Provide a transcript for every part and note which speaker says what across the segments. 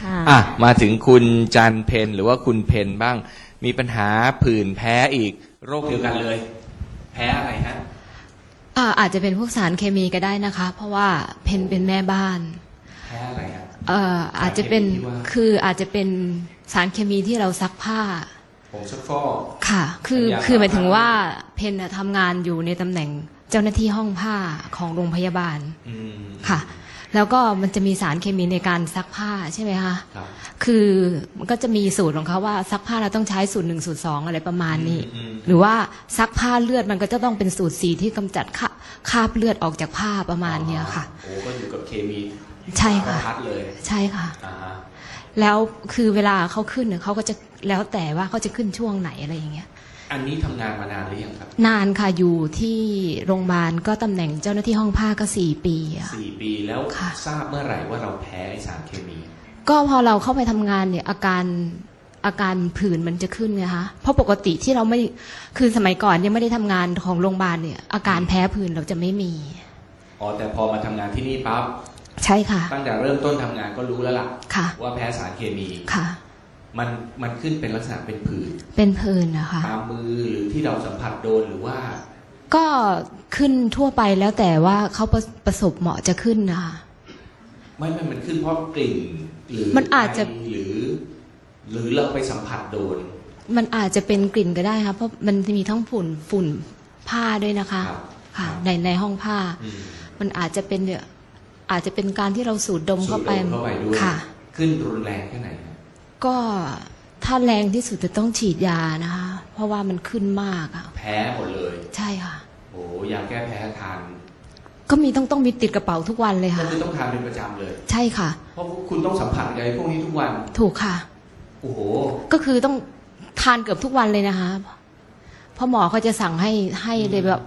Speaker 1: ค่ะ
Speaker 2: มาถึงคุณจันเพนหรือว่าคุณเพนบ้างมีปัญหาผื่นแพ้อีกโรคเดียวกันเลยแพ้อะไรฮะ
Speaker 3: อาจจะเป็นพวกสารเคมีก็ได้นะคะเพราะว่าเพนเป็นแม่บ้าน
Speaker 2: แพ้อะไรฮะ
Speaker 3: อาจจะเป็นอาจจะเป็นสารเคมีที่เราซักผ้า
Speaker 2: ผงซักฟอก
Speaker 3: ค่ะคือหมายถึงว่าเพนทำงานอยู่ในตำแหน่งเจ้าหน้าที่ห้องผ้าของโรงพยาบาลค่ะแล้วก็มันจะมีสารเคมีในการซักผ้าใช่ไหมคะคือมันก็จะมีสูตรของเขาว่าซักผ้าเราต้องใช้สูตร1สูตร2อะไรประมาณนี้หรือว่าซักผ้าเลือดมันก็จะต้องเป็นสูตร4ที่กำจัดคราบเลือดออกจากผ้าประมาณนี้ค่ะ
Speaker 2: โอ้ก็อยู่กับเคมี
Speaker 3: ใช่ค่ะ
Speaker 2: เลย
Speaker 3: ใช่ค่ะแล้วคือเวลาเขาขึ้นเขาก็จะแล้วแต่ว่าเขาจะขึ้นช่วงไหนอะไรอย่างเงี้ย
Speaker 2: อันนี้ทำงานมานานหรือยังครับ
Speaker 3: นานค่ะอยู่ที่โรงพยาบาลก็ตำแหน่งเจ้าหน้าที่ห้องผ้าก็4 ปี
Speaker 2: 4 ปีแล้วทราบเมื่อไหร่ว่าเราแพ้สารเคมี
Speaker 3: ก็พอเราเข้าไปทำงานเนี่ยอาการผื่นมันจะขึ้นไงคะเพราะปกติที่เราไม่คือสมัยก่อนยังไม่ได้ทำงานของโรงพยาบาลเนี่ยอาการแพ้ผื่นเราจะไม่มี
Speaker 2: แต่พอมาทำงานที่นี่ปั๊บ
Speaker 3: ใช่ค่ะ
Speaker 2: ตั้งแต่เริ่มต้นทำงานก็รู้แล้วล่ะว่าแพ้สารเคมี
Speaker 3: ค่ะ
Speaker 2: มันขึ้นเป็นลักษณะเป็น
Speaker 3: ผื่นนะคะ
Speaker 2: ตามมือหรือที่เราสัมผัสโดนหรือว่า
Speaker 3: ก็ขึ้นทั่วไปแล้วแต่ว่าเขาประสบเหมาะจะขึ้นนะคะ
Speaker 2: มันขึ้นเพราะกลิ่นหรือ
Speaker 3: มันอาจจะ
Speaker 2: หรือเราไปสัมผัสโดน
Speaker 3: มันอาจจะเป็นกลิ่นก็ได้ค่ะเพราะมันมีทั้งฝุ่นผ้าด้วยนะคะค่ะในห้องผ้ามันอาจจะเป็นเนี่ยอาจจะเป็นการที่เราสูดดมเข้าไป
Speaker 2: ด้วยค่ะขึ้นรุนแรงแค่ไหน
Speaker 3: ก็ถ้าแรงที่สุดจะต้องฉีดยานะคะเพราะว่ามันขึ้นมากอะ
Speaker 2: แพ้หมดเลย
Speaker 3: ใช่ค่ะ
Speaker 2: โอ้ยาแก้แพ้ทาน
Speaker 3: ก็มีต้องมีติดกระเป๋าทุกวันเลยค่ะ
Speaker 2: ก็คือต้องทานเป็นประจำเลย
Speaker 3: ใช่ค่ะ
Speaker 2: เพราะคุณต้องสัมผัสอะไรพวกนี้ทุกวัน
Speaker 3: ถูกค่ะ
Speaker 2: โอ้โห
Speaker 3: ก็คือต้องทานเกือบทุกวันเลยนะคะเพราะหมอเขาจะสั่งให้เลยแบบ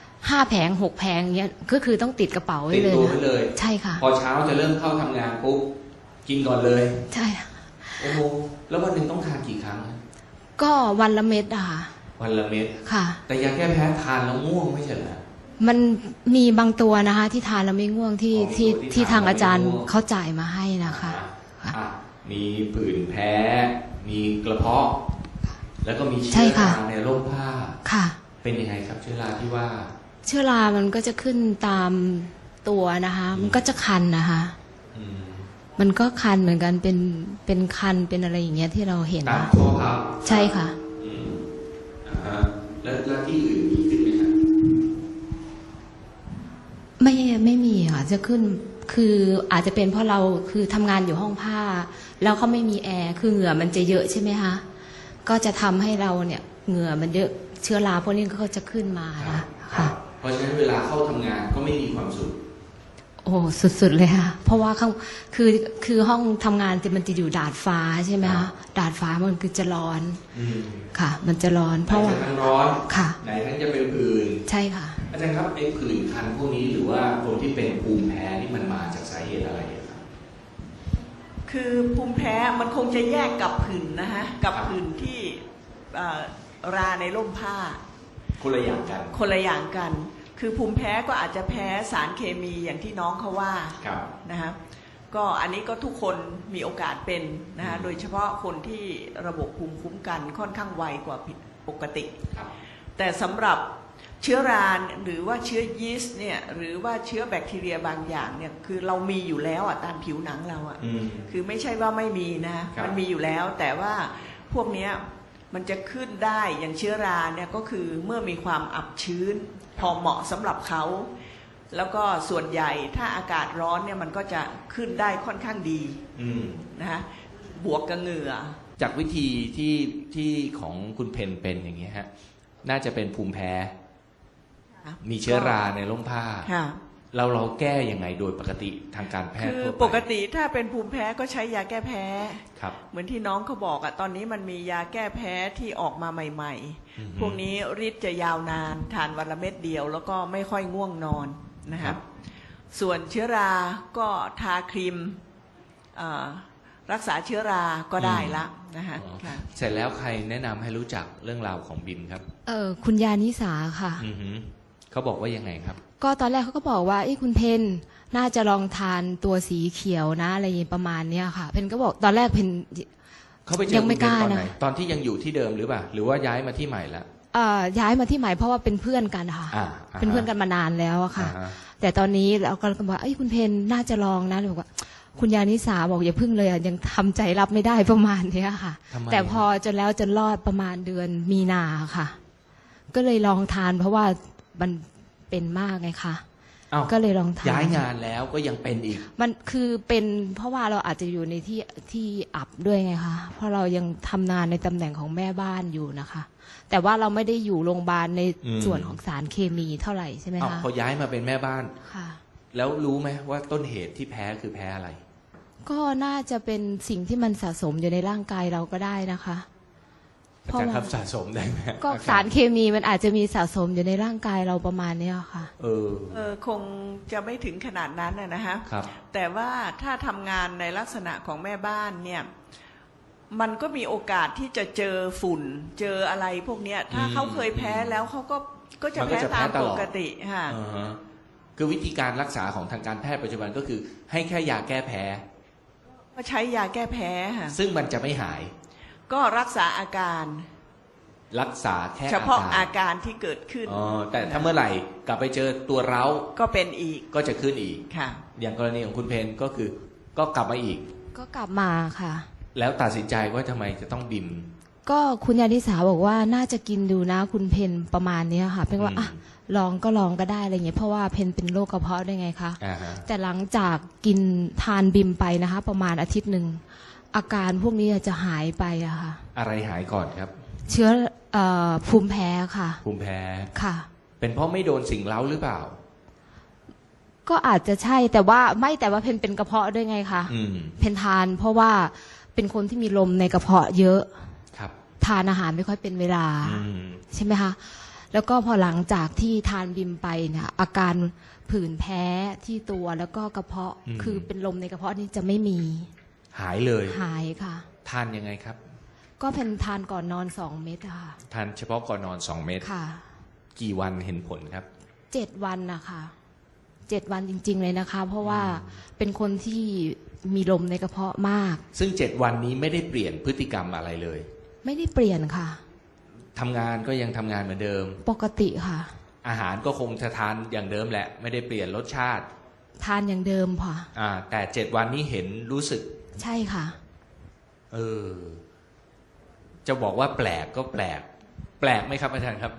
Speaker 3: 5 แผง 6 แผงเงี้ยก็คือต้องติดกระเป๋าไว้เลย
Speaker 2: ติดตัวไว้เลย
Speaker 3: ใช่ค่ะ
Speaker 2: พอเช้าจะเริ่มเข้าทำงานปุ๊บกินก่อนเลย
Speaker 3: ใช่
Speaker 2: โอ้โหแล้ววันหนึ่งต้องทานกี่ครั้ง
Speaker 3: ก็วันละเม็ดอะค่ะ
Speaker 2: วันละเม็ด
Speaker 3: ค่ะ
Speaker 2: แต่ยาแก้แพ้ทานแล้วง่วงไม่ใช่เหรอ
Speaker 3: มันมีบางตัวนะคะที่ทานแล้วไม่ง่วงที่ทางอาจารย์เขาจ่ายมาให้นะคะ
Speaker 2: มีผื่นแพ้มีกระเพาะแล้วก็มีเชื้อราในร่มผ้า
Speaker 3: ค่ะ
Speaker 2: เป็นยังไงครับเชื้อราที่ว่า
Speaker 3: เชื้อรามันก็จะขึ้นตามตัวนะคะมันก็จะคันนะคะมันก็คันเหมือนกันเป็นคันเป็นอะไรอย่างเงี้ยที่เราเห็น
Speaker 2: ตามข้อพับ
Speaker 3: ใช่ค่ะ
Speaker 2: แล้วที่อื่นมีขึ้นไหมครับ
Speaker 3: ไม่มีค่ะจะขึ้นคืออาจจะเป็นเพราะเราคือทำงานอยู่ห้องผ้าแล้วเขาไม่มีแอร์คือเหงื่อมันจะเยอะใช่ไหมคะก็จะทำให้เราเนี่ยเหงื่อมันเยอะเชื้อราพวกนี้ก็จะขึ้นมาค่ะ
Speaker 2: เพราะฉะนั้นเวลาเข้าทำงานก็ไม่มีความสุข
Speaker 3: โอ้สุดๆเลยค่ะเพราะว่าคือห้องทำงานมันจะอยู่ดาดฟ้าใช่ไหมคะดาดฟ้ามันคือจะร้อนค่ะมันจะร้อนเพราะว่า
Speaker 2: ทั้งร้อน
Speaker 3: ค่ะ
Speaker 2: ไหนทั้งจะเป็นผื่น
Speaker 3: ใช่ค่ะ
Speaker 2: อาจารย์ครับไอ้ผื่นคันพวกนี้หรือว่าคนที่เป็นภูมิแพ้นี่มันมาจากสาเหตุอะไรครับ
Speaker 1: คือภูมิแพ้มันคงจะแยกกับผื่นนะฮะกับผื่นที่ราในร่มผ้า
Speaker 2: คนละอย่าง
Speaker 1: กันคือภูมิแพ้ก็อาจจะแพ้สารเคมีอย่างที่น้องเขาว่านะฮะก็อันนี้ก็ทุกคนมีโอกาสเป็นนะฮะโดยเฉพาะคนที่ระบบภูมิคุ้มกันค่อนข้างไวกว่าปกติแต่สำหรับเชื้อราหรือว่าเชื้อยีสต์เนี่ยหรือว่าเชื้อแบคทีเรียบางอย่างเนี่ยคือเรามีอยู่แล้วตามผิวหนังเราคือไม่ใช่ว่าไม่มีนะมันมีอยู่แล้วแต่ว่าพวกนี้มันจะขึ้นได้อย่างเชื้อราเนี่ยก็คือเมื่อมีความอับชื้นพอเหมาะสำหรับเขาแล้วก็ส่วนใหญ่ถ้าอากาศร้อนเนี่ยมันก็จะขึ้นได้ค่อนข้างดีนะฮะบวกกับเหงื่อ
Speaker 2: จากวิธีที่ของคุณเพนเป็นอย่างนี้ฮะน่าจะเป็นภูมิแพ้มีเชื้อราในร่มผ้าเราแก้ยังไงโดยปกติทางการแพทย์
Speaker 1: คือปกติถ้าเป็นภูมิแพ้ก็ใช้ยาแก้แพ้เหมือนที่น้องเขาบอกตอนนี้มันมียาแก้แพ้ที่ออกมาใหม่ๆพวกนี้ฤทธิ์จะยาวนานทานวันละเม็ดเดียวแล้วก็ไม่ค่อยง่วงนอนนะครับส่วนเชื้อราก็ทาครีมรักษาเชื้อราก็ได้ละนะฮะ
Speaker 2: เสร็จแล้วใครแนะนำให้รู้จักเรื่องราวของบิมครับ
Speaker 3: คุณยานิสาค่ะ
Speaker 2: เขาบอกว่ายังไงครับ
Speaker 3: ก็ตอนแรกเขาก็บอกว่าคุณเพนน่าจะลองทานตัวสีเขียวนะอะไรอย่างประมาณเนี้ยค่ะเพนก็บอกตอนแรกเพน
Speaker 2: เขาไปเจอคุณเพนตอนไหนตอนที่ยังอยู่ที่เดิมหรือเปล่าหรือว่าย้ายมาที่ใหม่แล้ว
Speaker 3: ย้ายมาที่ใหม่เพราะว่าเป็นเพื่อนกันค่ะเป็นเพื่อนกันมานานแล้วอะค่ะแต่ตอนนี้เราก็บอกว่าคุณเพนน่าจะลองนะเลยบอกว่าคุณยานิสาบอกอย่าพึ่งเลยยังทำใจรับไม่ได้ประมาณนี้ค่ะแต่พอจนแล้วจนรอดประมาณเดือนมีนาค่ะก็เลยลองทานเพราะว่ามันเป็นมากไงคะก็เลยลองทาน
Speaker 2: ย้ายงานแล้วก็ยังเป็นอีก
Speaker 3: มันคือเป็นเพราะว่าเราอาจจะอยู่ในที่อับด้วยไงคะเพราะเรายังทำงานในตำแหน่งของแม่บ้านอยู่นะคะแต่ว่าเราไม่ได้อยู่โรงพยาบาลในส่วนของสารเคมีเท่าไหร่ใช่ไหมคะ
Speaker 2: พอย้ายมาเป็นแม่บ้าน
Speaker 3: ค่ะ
Speaker 2: แล้วรู้ไหมว่าต้นเหตุที่แพ้คือแพ้อะไร
Speaker 3: ก็น่าจะเป็นสิ่งที่มันสะสมอยู่ในร่างกายเราก็ได้นะคะ
Speaker 2: อาจารย์ครับสะสมได้ไหม
Speaker 3: ก็สารเคมีมันอาจจะมีสะสมอยู่ในร่างกายเราประมาณนี้ค่ะ
Speaker 1: คงจะไม่ถึงขนาดนั้นนะฮะแต่ว่าถ้าทำงานในลักษณะของแม่บ้านเนี่ยมันก็มีโอกาสที่จะเจอฝุ่นเจออะไรพวกเนี้ยถ้าเขาเคยแพ้แล้วเขาก็จะแพ้ตามปกติค่ะ
Speaker 2: คือวิธีการรักษาของทางการแพทย์ปัจจุบันก็คือให้แค่ยาแก้แพ้
Speaker 1: ก็ใช้ยาแก้แพ้ค่ะ
Speaker 2: ซึ่งมันจะไม่หาย
Speaker 1: ก็รักษาอาการ
Speaker 2: รักษาแค่
Speaker 1: เฉพาะอาการที่เกิดขึ้น
Speaker 2: แต่ถ้าเมื่อไหร่กลับไปเจอตัวเร้า
Speaker 1: ก็เป็นอีก
Speaker 2: ก็จะขึ้นอีก
Speaker 1: ค่ะ
Speaker 2: อย่างกรณีของคุณเพนก็คือก็กลับมาอีก
Speaker 3: ก็กลับมาค่ะ
Speaker 2: แล้วตัดสินใจว่าทำไมจะต้องบิม
Speaker 3: ก็คุณยานิสาบอกว่าน่าจะกินดูนะคุณเพนประมาณนี้ค่ะเพนว่าลองก็ได้อะไรเงี้ยเพราะว่าเพนเป็นโรคกระเพาะได้ไงคะแต่หลังจากกินทานบิมไปนะคะประมาณอาทิตย์หนึ่งอาการพวกนี้จะหายไปอะค่ะ
Speaker 2: อะไรหายก่อนครับ
Speaker 3: เชื้อภูมิแพ้ค่ะ
Speaker 2: ภูมิแพ้
Speaker 3: ค่ะ
Speaker 2: เป็นเพราะไม่โดนสิ่งเร้าหรือเปล่า
Speaker 3: ก็อาจจะใช่แต่ว่าเพนเป็นกระเพาะด้วยไงคะเพนทานเพราะว่าเป็นคนที่มีลมในกระเพาะเยอะ
Speaker 2: ครับ
Speaker 3: ทานอาหารไม่ค่อยเป็นเวลาใช่ไหมคะแล้วก็พอหลังจากที่ทานบิมไปเนี่ยอาการผื่นแพ้ที่ตัวแล้วก็กระเพาะคือเป็นลมในกระเพาะนี่จะไม่มี
Speaker 2: หายเลย
Speaker 3: หายค่ะ
Speaker 2: ทานยังไงครับ
Speaker 3: ก็เป็นทานก่อนนอน2 เม็ดค่ะ
Speaker 2: ทานเฉพาะก่อนนอน2 เม็ด
Speaker 3: ค่ะ
Speaker 2: กี่วันเห็นผลครับ
Speaker 3: 7 วันนะคะ7 วันจริงๆเลยนะคะเพราะว่าเป็นคนที่มีลมในกระเพาะมาก
Speaker 2: ซึ่ง7 วันนี้ไม่ได้เปลี่ยนพฤติกรรมอะไรเลย
Speaker 3: ไม่ได้เปลี่ยนค่ะ
Speaker 2: ทำงานก็ยังทำงานเหมือนเดิม
Speaker 3: ปกติค่ะ
Speaker 2: อาหารก็คงจะทานอย่างเดิมแหละไม่ได้เปลี่ยนรสชาติ
Speaker 3: ทานอย่างเดิมค่ะ
Speaker 2: แต่7 วันนี้เห็นรู้สึก
Speaker 3: ใช่ค่ะ
Speaker 2: จะบอกว่าแปลกก็แปลกไหมครับอาจารย์ครับ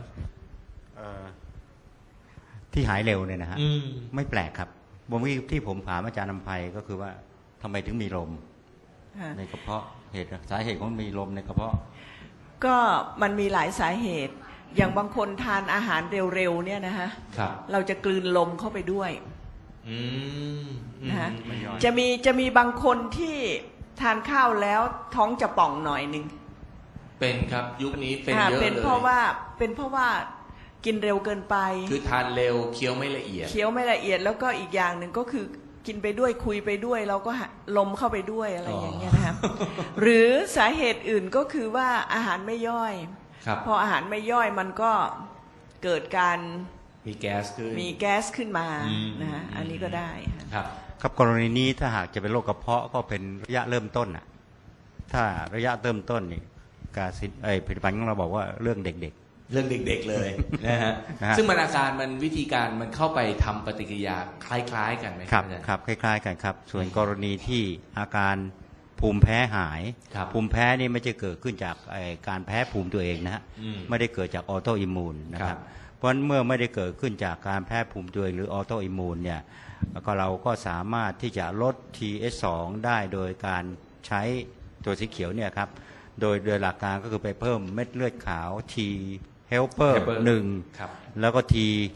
Speaker 4: ที่หายเร็วเนี่ยนะฮะไม่แปลกครับที่ผมถามอาจารย์นำไพก็คือว่าทำไมถึงมีลมในกระเพาะสาเหตุของมีลมในกระเพาะ
Speaker 1: ก็มันมีหลายสาเหตุอย่างบางคนทานอาหารเร็วๆเนี่ยนะฮะเราจะกลืนลมเข้าไปด้วยนะฮะจะมีบางคนที่ทานข้าวแล้วท้องจะป่องหน่อยนึง
Speaker 2: เป็นครับยุคนี้เป็นเยอะเลย
Speaker 1: เป็นเพราะว่ากินเร็วเกินไป
Speaker 2: คือทานเร็วเคี้ยวไม่ละเอียด
Speaker 1: แล้วก็อีกอย่างหนึ่งก็คือกินไปด้วยคุยไปด้วยเราก็ลมเข้าไปด้วยอะไรอย่างเงี้ยนะครับหรือสาเหตุอื่นก็คือว่าอาหารไม่ย่อยพออาหารไม่ย่อยมันก็เกิดการ
Speaker 2: มีแก๊
Speaker 1: สขึ้นมานะฮะอันนี้ก็ได้
Speaker 4: ครับกรณีนี้ถ้าหากจะเป็นโรคกระเพาะก็เป็นระยะเริ่มต้นอ่ะถ้าระยะเริ่มต้นนี่ผลิตภัณฑ์ของเราบอกว่าเรื่องเด็ก
Speaker 2: เลยนะฮะซึ่งมันอาการมันวิธีการมันเข้าไปทำปฏิกิริยาคล้ายๆกันไหม
Speaker 4: ครับคล้ายๆกันครับส่วนกรณีที่อาการภูมิแพ้หายภูมิแพ้นี่ไม่จะเกิดขึ้นจากการแพ้ภูมิตัวเองนะฮะไม่ได้เกิดจากออโตอิมมูนนะครับเพราะเมื่อไม่ได้เกิดขึ้นจากการแพ้ภูมิตัวเองหรือออโตอิมมูนเนี่ยก็เราก็สามารถที่จะลด TH2 ได้โดยการใช้ตัวสีเขียวเนี่ยครับโดยหลักการก็คือไปเพิ่มเม็ดเลือดขาว T helper 1แล้วก็ T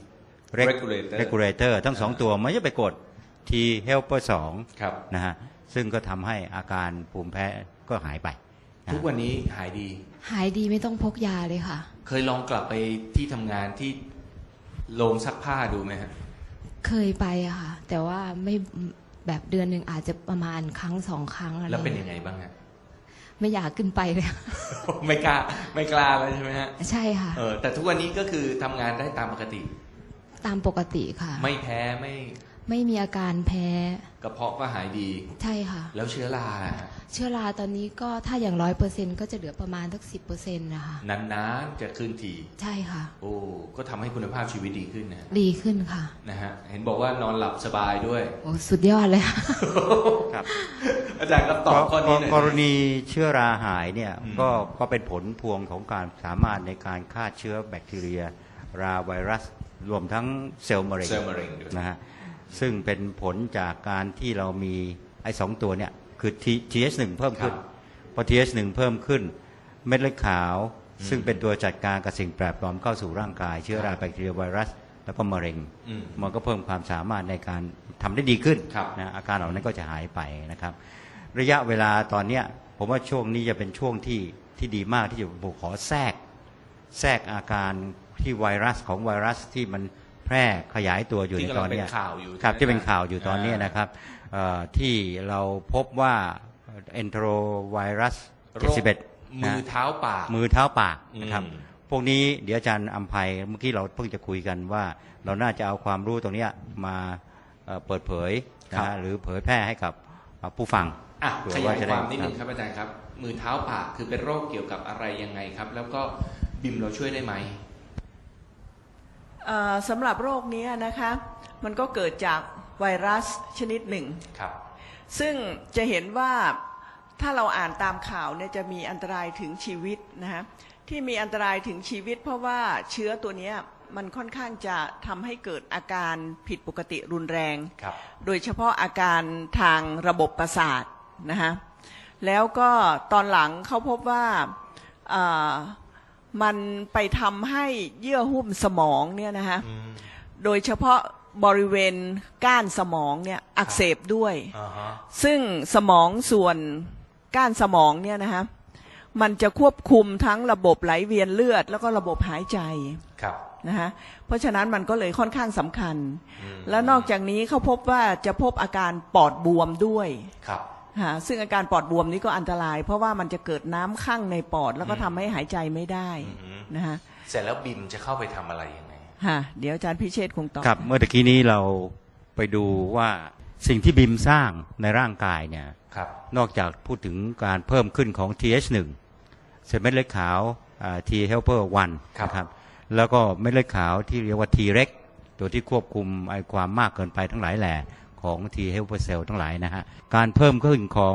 Speaker 4: regulator ทั้ง2ตัวไม่ใช่ไปกด T helper 2นะฮะซึ่งก็ทำให้อาการภูมิแพ้ก็หายไป
Speaker 2: ทุกวันนี้หายดี
Speaker 3: ไม่ต้องพกยาเลยค่ะ
Speaker 2: เคยลองกลับไปที่ทำงานที่โรงซักผ้าดูไหมฮะ
Speaker 3: เคยไปอะค่ะแต่ว่าไม่แบบเดือนหนึ่งอาจจะประมาณ1-2 ครั้งอะไร
Speaker 2: แล้วเป็นยังไงบ้างฮะ
Speaker 3: ไม่อยากขึ้นไปเลย
Speaker 2: ไม่กล้าแล้วใช่ไหมฮะ
Speaker 3: ใช่ค่ะ
Speaker 2: แต่ทุกวันนี้ก็คือทำงานได้ตามปกติ
Speaker 3: ตามปกติค่ะ
Speaker 2: ไม่แพ้
Speaker 3: ไม่มีอาการแพ้
Speaker 2: กระเพาะก็หายดี
Speaker 3: ใช่ค่ะ
Speaker 2: แล้วเชื้อรา
Speaker 3: เชื้อราตอนนี้ก็ถ้าอย่าง100%ก็จะเหลือประมาณสัก10%นะคะ
Speaker 2: นานๆจะขึ้นที
Speaker 3: ใช่ค่ะ
Speaker 2: โอ้ก็ทำให้คุณภาพชีวิตดีขึ้นนะ
Speaker 3: ดีขึ้นค่ะ
Speaker 2: นะฮะเห็นบอกว่านอนหลับสบายด้วย
Speaker 3: โอ้สุดยอดเลย
Speaker 4: ครับ
Speaker 2: อาจารย์ครับตอบข้อนี้หน่อย
Speaker 4: กรณีเชื้อราหายเนี่ยก็เป็นผลพวงของการสามารถในการฆ่าเชื้อแบคทีเรียราไวรัสรวมทั้งเซลล์มะเร็งนะฮะซึ่งเป็นผลจากการที่เรามีไอ้2ตัวเนี่ยคือ TH1 เพิ่มขึ้นพอ TH1 เพิ่มขึ้นเม็ดเลือดขาวซึ่งเป็นตัวจัดการกับสิ่งแปลกปลอมเข้าสู่ร่างกายเชื้อราแบคทีเรียไวรัสแล้วก็มะเร็งมันก็เพิ่มความสามารถในการทำได้ดีขึ้นนะอาการเหล่านั้นก็จะหายไปนะครับระยะเวลาตอนเนี้ยผมว่าช่วงนี้จะเป็นช่วงที่ดีมากที่จะขอแทรกอาการที่ไวรัสที่มันแพร่ขยายตัวอยู่ในตอนนี้ครับที่เป็นข่าวอยู่ตอนนี้นะครับที่เราพบว่าเอนโทรไวรัส71
Speaker 2: มือเท้าป
Speaker 4: ากนะครับพวกนี้เดี๋ยวอาจารย์อำไพเมื่อกี้เราเพิ่งจะคุยกันว่าเราน่าจะเอาความรู้ตรงนี้มาเปิดเผยหรือเผยแพร่ให้กับผู้ฟัง
Speaker 2: ขยายความนิดนึงครับอาจารย์ครับมือเท้าปากคือเป็นโรคเกี่ยวกับอะไรยังไงครับแล้วก็บิมเราช่วยได้ไหม
Speaker 1: สำหรับโรคนี้นะคะมันก็เกิดจากไวรัสชนิดหนึ่งซึ่งจะเห็นว่าถ้าเราอ่านตามข่าวเนี่ยจะมีอันตรายถึงชีวิตนะฮะที่มีอันตรายถึงชีวิตเพราะว่าเชื้อตัวนี้มันค่อนข้างจะทำให้เกิดอาการผิดปกติรุนแรงโดยเฉพาะอาการทางระบบประสาทนะฮะแล้วก็ตอนหลังเขาพบว่ามันไปทำให้เยื่อหุ้มสมองเนี่ยนะฮะโดยเฉพาะบริเวณก้านสมองเนี่ยอักเสบด้วยซึ่งสมองส่วนก้านสมองเนี่ยนะฮะมันจะควบคุมทั้งระบบไหลเวียนเลือดแล้วก็ระบบหายใจนะฮะเพราะฉะนั้นมันก็เลยค่อนข้างสำคัญแล้วนอกจากนี้เขาพบว่าจะพบอาการปอดบวมด้วยซึ่งอาการปอดบวมนี้ก็อันตรายเพราะว่ามันจะเกิดน้ำข้างในปอดแล้วก็ทำให้หายใจไม่ได้นะฮะ
Speaker 2: เสร็จแล้วบิมจะเข้าไปทำอะไรยังไง
Speaker 1: เดี๋ยวอาจารย์พิเชษฐ์คงตอบ
Speaker 4: ครับเมื่อตะกี้นี้เราไปดูว่าสิ่งที่บิมสร้างในร่างกายเนี่ยนอกจากพูดถึงการเพิ่มขึ้นของ TH1 เม็ดเลือดขาว T helper 1นะครับแล้วก็เม็ดเลือดขาวที่เรียกว่า T reg ตัวที่ควบคุมไอความมากเกินไปทั้งหลายแหล่ของ T helper cell ทั้งหลายนะฮะการเพิ่มขึ้นของ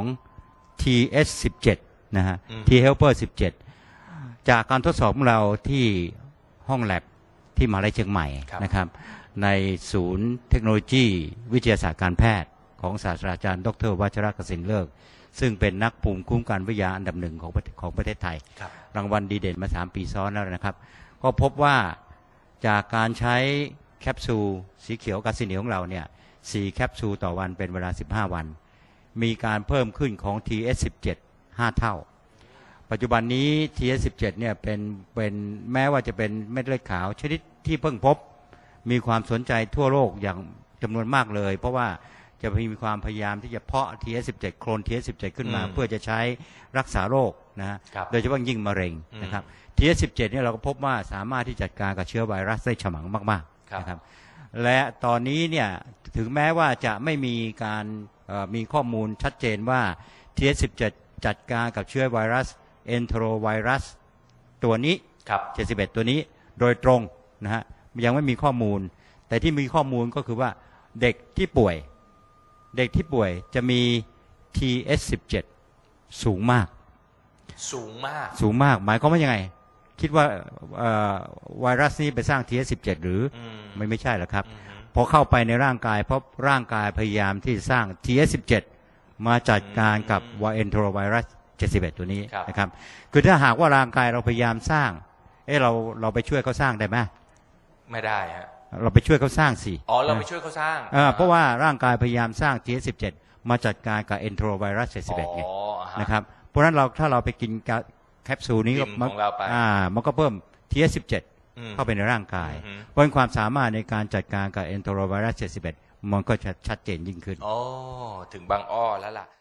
Speaker 4: TH17 นะฮะ T helper 17จากการทดสอบของเราที่ห้องแลบที่มหาวิทยาลัยเชียงใหม่นะครับในศูนย์เทคโนโลยีวิทยาศาสตร์การแพทย์ของศาสตราจารย์ดร.วัชรกสินเลิกซึ่งเป็นนักภูมิคุ้มกันวิทยาอันดับหนึ่งของประเทศไทยรางวัลดีเด่นมา3 ปีซ้อนแล้วนะครับก็พบว่าจากการใช้แคปซูลสีเขียวกาซิเนียของเราเนี่ย4แคปซูลต่อวันเป็นเวลา15วันมีการเพิ่มขึ้นของ TH17 5 เท่าปัจจุบันนี้ TH17 เนี่ยเป็นแม้ว่าจะเป็นเม็ดเลือดขาวชนิดที่เพิ่งพบมีความสนใจทั่วโลกอย่างจำนวนมากเลยเพราะว่าจะมีความพยายามที่จะเพาะ TH17 โคลน TH17 ขึ้นมาเพื่อจะใช้รักษาโรคนะฮะโดยเฉพาะยิ่งมะเร็งนะครับ TH17 เนี่ยเราก็พบว่าสามารถที่จัดการกับเชื้อไวรัสได้ฉมังมากๆนะครับและตอนนี้เนี่ยถึงแม้ว่าจะไม่มีการมีข้อมูลชัดเจนว่า TH17 จัดการกับเชื้อไวรัสเอนโทรไวรัสตัวนี้71ตัวนี้โดยตรงนะฮะยังไม่มีข้อมูลแต่ที่มีข้อมูลก็คือว่าเด็กที่ป่วยจะมี TH17 สูงมากหมายความว่ายังไงคิดว่าไวรัสนี้ไปสร้าง TH17 หรือไม่ใช่หรอกครับพอเข้าไปในร่างกายเพราะร่างกายพยายามที่สร้าง TH17 มาจัดการกับเอนโทรไวรัส71ตัวนี้นะครับคือถ้าหากว่าร่างกายเราพยายามสร้างเราไปช่วยเขาสร้างได้ไหม
Speaker 2: ไม่ได้ฮะ
Speaker 4: เราไปช่วยเขาสร้างสิ
Speaker 2: เราไปช่วยเขาสร้าง
Speaker 4: เพราะว่าร่างกายพยายามสร้าง TH17 มาจัดการกับเอนโทรไวรัส71ไงนะครับเพราะฉะนั้นถ้าเราไปกินแคปซูลนี้มันก็เพิ่ม TH17 เข้าไปในร่างกายเพราะความสามารถในการจัดการกับเอนโทรไวรัส71มันก็จะชัดเจนยิ่งขึ้น
Speaker 2: ถึงบางอ้อแล้วล่ะ